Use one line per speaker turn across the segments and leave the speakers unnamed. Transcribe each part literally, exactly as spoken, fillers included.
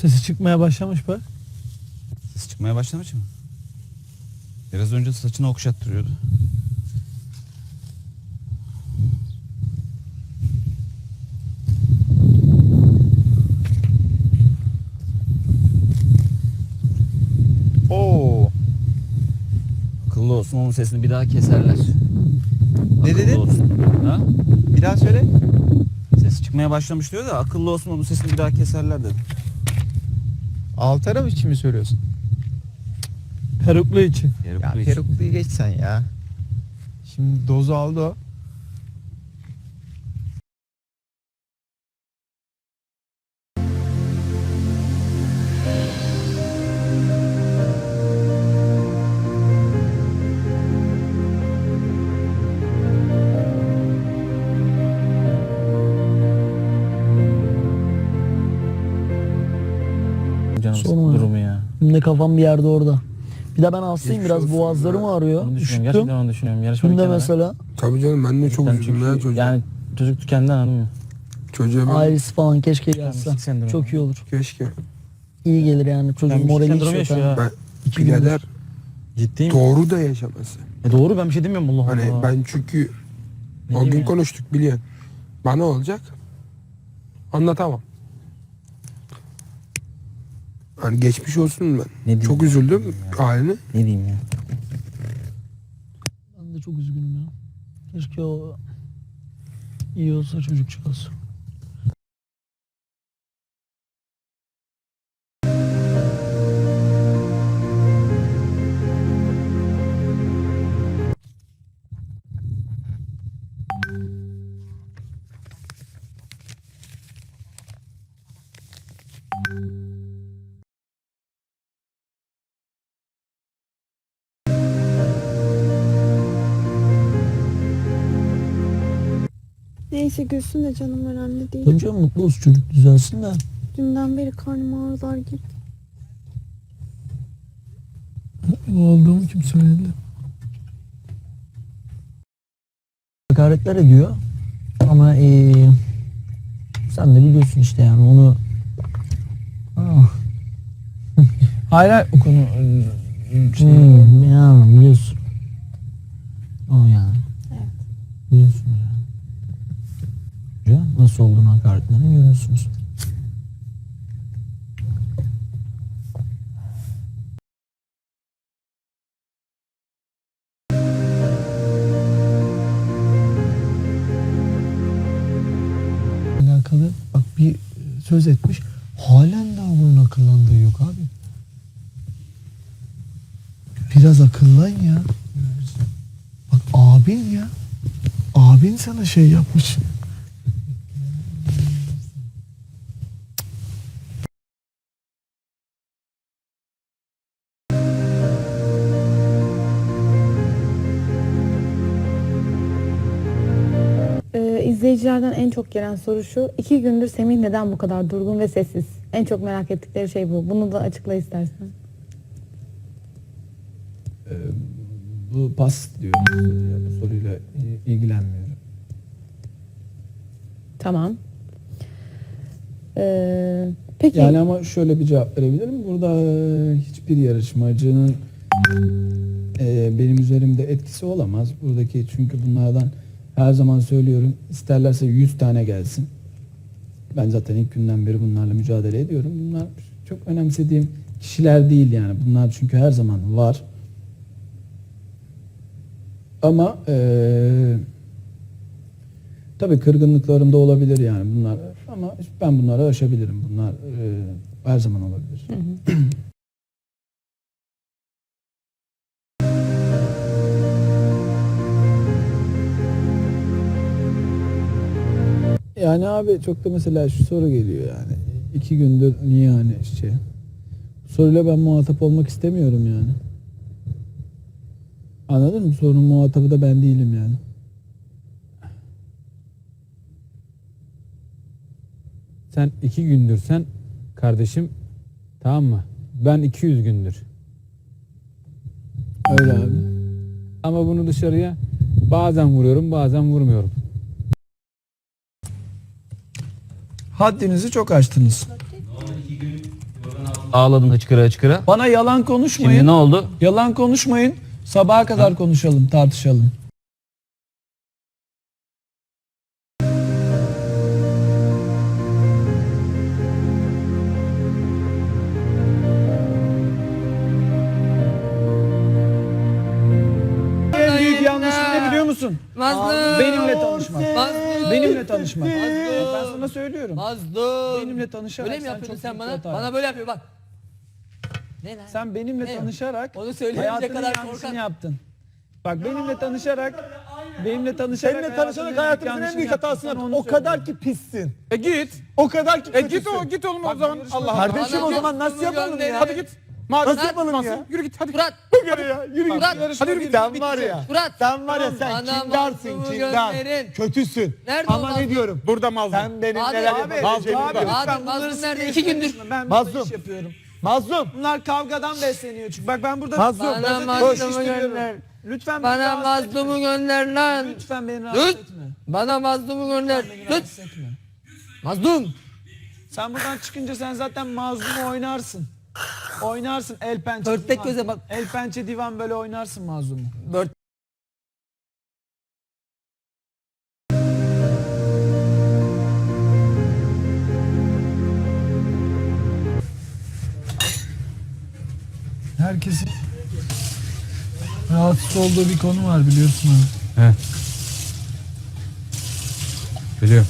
Sesi çıkmaya başlamış bak.
Ses çıkmaya başlamış mı? Biraz önce saçını okşattırıyordu. Oo. Akıllı olsun, onun sesini bir daha keserler.
Ne
Akıllı
dedin?
olsun. Ha?
Bir daha söyle.
Ses çıkmaya başlamış diyor da akıllı olsun, onun sesini bir daha keserler dedi.
Alt taraf için mi söylüyorsun?
Peruklu için.
Yarıklı
Ya
için.
perukluyu geç sen ya. Şimdi dozu aldı o.
Canım
Sorma.
durumu ya.
Şimdi kafam bir yerde orada. Bir de ben hastayım,
Geçmiş
biraz
olsun
boğazlarım
ya.
ağrıyor.
Onu düşünüyorum.
Üşüttüm.
Gerçekten onu düşünüyorum. Yarışma
Şimdi
bir kenara.
mesela
Tabii canım ben de çok
Sen
üzüldüm ya
çünkü
çocuğa.
yani çocuk tükendi, anladın mı?
Çocuğa ben
ailesi falan keşke gelse.
Tükenmişlik sendromu.
Çok iyi olur.
keşke.
İyi gelir yani. Çocuğun
Tükenmişlik
morali hiç
sendromu
yok.
yaşıyor
ha.
ha.
Ben
İki
birader
gündür.
Ciddiyim.
doğru da yaşaması.
E doğru, ben bir şey demiyorum, Allah
Hani
Allah.
ben çünkü
Ne
o
diyeyim
gün
ya?
konuştuk biliyorsun. Bana olacak. Anlatamam. Hani geçmiş olsun ben.
diyeyim
Çok
ya?
üzüldüm haline.
Ne diyeyim ya?
Ben de çok üzgünüm ya. Keşke o iyi olsa çocukcağız.
Neyse gülsün de canım, önemli değil.
Tabii canım, mutlu olsun, çocuk düzelsin de.
Dünden beri karnım ağrılar gibi.
Mutlu olduğumu kim söyledi? Hakaretler ediyor. Ama ee, sen de biliyorsun işte yani onu. Ah.
Hayır, o konu şey,
Hmm, ya biliyorsun. O yani.
Evet.
Biliyorsunuz yani. Ya, nasıl olduğunu hakaretlerini görüyorsunuz. Alakalı bak bir söz etmiş. Halen daha bunun akıllandığı yok abi. Biraz akıllan ya. Bak abin ya. Abin sana şey yapmış.
Ee, izleyicilerden en çok gelen soru şu: İki gündür Semih neden bu kadar durgun ve sessiz? En çok merak ettikleri şey bu. Bunu da açıkla istersen.
Ee, bu pas diyorum ya, bu soruyla ilgilenmiyorum.
Tamam. Ee, peki.
Yani ama şöyle bir cevap verebilirim. Burada e, hiçbir yarışmacının e, benim üzerimde etkisi olamaz. Buradaki, çünkü bunlardan her zaman söylüyorum, isterlerse yüz tane gelsin. Ben zaten ilk günden beri bunlarla mücadele ediyorum. Bunlar çok önemsediğim kişiler değil yani. Bunlar çünkü her zaman var. Ama eee tabii kırgınlıklarım da olabilir yani bunlar, ama ben bunları aşabilirim. Bunlar eee, her zaman olabilir.
Hı hı.
Yani abi çok da mesela şu soru geliyor yani. İki gündür niye hani şey. Bu soruyla ben muhatap olmak istemiyorum yani. Anladın mı? Sorunun muhatabı da ben değilim yani.
Sen iki gündür sen kardeşim, tamam mı? Ben iki yüz gündür.
Öyle abi.
Ama bunu dışarıya bazen vuruyorum, bazen vurmuyorum.
Haddinizi çok aştınız.
ağladın hıçkıra hıçkıra.
Bana yalan konuşmayın.
Şimdi ne oldu?
Yalan konuşmayın. Sabaha kadar konuşalım, tartışalım. En büyük yanlışın ne biliyor musun?
Mazlum.
Benimle tanışmak.
Mazlum.
Benimle tanışmak.
Mazlum.
Ben sana söylüyorum.
Mazlum.
Benimle tanışarak
Böyle mi
sen
yapıyordun
çok
sen
büyük
bana?
bir hata
Bana böyle yapıyor bak. Ne lan?
Sen benimle
Ne?
tanışarak
Onu söyleyince
hayatının
kadar
yanlışını
korkak.
yaptın. Bak benimle tanışarak benimle tanışarak
Seninle tanışarak hayatımızın en büyük hatasını yaptın. O kadar ki pissin.
E git.
O kadar ki
E
kötüsün.
git o git oğlum o zaman. Allah Allah.
Kardeşim
Bana
o zaman
git,
nasıl
bunu
yapalım
gönderin.
ya?
Hadi git. Madem
Nasıl yapalım ya?
Yürü git hadi.
Fırat.
Yürü ya, yürü git.
Fırat.
Hadi yürü git. Sen var ya.
Fırat.
Sen var ya sen
Bana
kindarsın
mazlumu
kindar.
gönderin.
Kötüsün.
Nerede o
Ama
mazlum?
ne diyorum?
Burada mazlum.
Sen benim
Abi,
neler
abi,
yapabileceğimi
abi,
biliyorsun.
Abi
Lütfen bunları
mazlum nerede?
sinir
İki gündür.
etme. Ben
Mazlum.
burada iş yapıyorum.
Mazlum.
Bunlar kavgadan besleniyor çünkü. Bak ben burada
Mazlum.
Bana
gazete
mazlumu
yetiştiriyorum.
gönder.
Lütfen beni
Bana
rahatsız etme.
mazlumu gönder lan.
Lütfen beni rahatsız
Lut.
etme.
Bana mazlumu gönder.
Beni
Tut.
rahatsız etme.
Mazlum.
Sen buradan çıkınca sen zaten mazlumu oynarsın. Oynarsın el pençe
Pörtlek
divan.
göze bak.
El pençe divan böyle oynarsın mazlumu.
Bört.
Herkesin rahatsız olduğu bir konu var biliyorsun abi.
He. Biliyorum.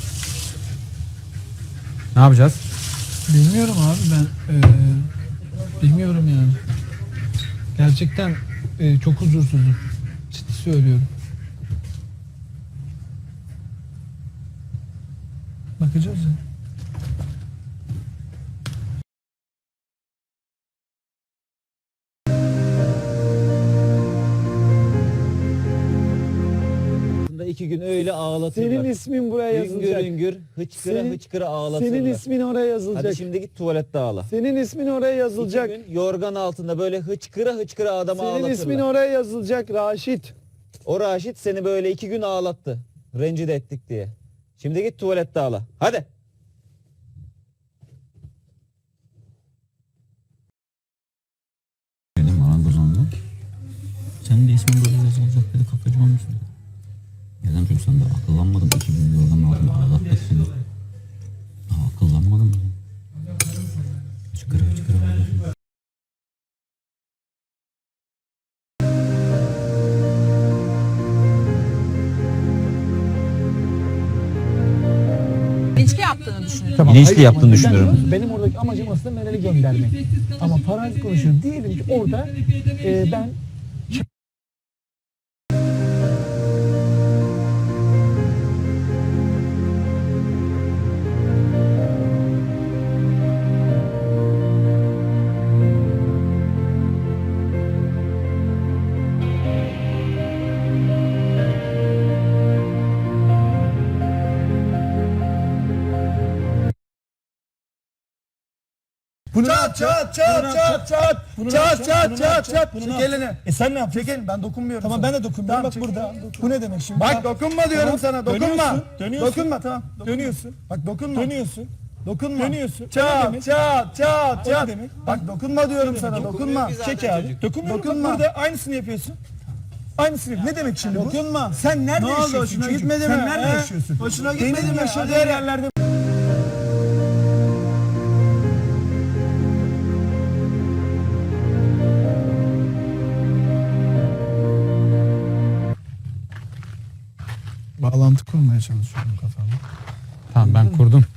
Ne yapacağız?
Bilmiyorum abi ben eee, bilmiyorum yani. Gerçekten eee, çok huzursuzum. Ciddi söylüyorum. Bakacağız ya.
iki gün öyle ağlatırlar.
Senin ismin buraya
Hüngür
yazılacak.
hüngür hıçkıra
Senin-
hıçkıra ağlatırlar.
Senin ismin oraya yazılacak.
Hadi şimdi git tuvalette ağla.
Senin ismin oraya yazılacak.
İki gün yorgan altında böyle hıçkıra hıçkıra adamı
Senin
ağlatırlar.
ismin oraya yazılacak Raşit.
O Raşit seni böyle iki gün ağlattı. Rencide ettik diye. Şimdi git tuvalette ağla. Hadi.
Dedim marangozonda. Senin de ismin böyle yazılacak dedi, kafacı olmuşsun. Neden çünkü sen de akıllanmadın. iki bin yorganın altında ağlattık seni. Aa, akıllanmadın mı? Çıkıra çıkıra ağlatın.
İçki yaptığını düşünüyorum.
Tamam,
Bilinçli
hayır,
yaptığını
ama
düşünüyorum.
ben- Benim oradaki amacım aslında Meral'i göndermek. Ama farazi konuşuyorum. Diyelim ki orada e, ben Bunu çat çat çat çat çat çat çat çat çat çek elini. E sen ne yapacaksın? Çek elini, ben dokunmuyorum. Tamam sana. Ben de dokunmuyorum. Bak burada. Bu ne demek şimdi? Bak dokunma diyorum sana. Dokunma. Dönüyorsun. Dokunma tamam. Dönüyorsun. Bak dokunma. Dönüyorsun. Dokunma. Dönüyorsun. Çat çat çat çat. Bak dokunma diyorum sana. Dokunma. Çek abi. Dokunmuyorum. Dokunma. Bak burada aynısını yapıyorsun. Aynısını. Ne demek şimdi bu? Dokunma. Sen nerede yaşıyorsun? Ne oldu? Hoşuna gitmedi mi? Sen nerede yaşıyorsun? Hoşuna gitmedi mi? Benim yaşadığım yerlerde.
Bağlantı kurmaya çalışıyorum kafamda.
Tamam ben kurdum.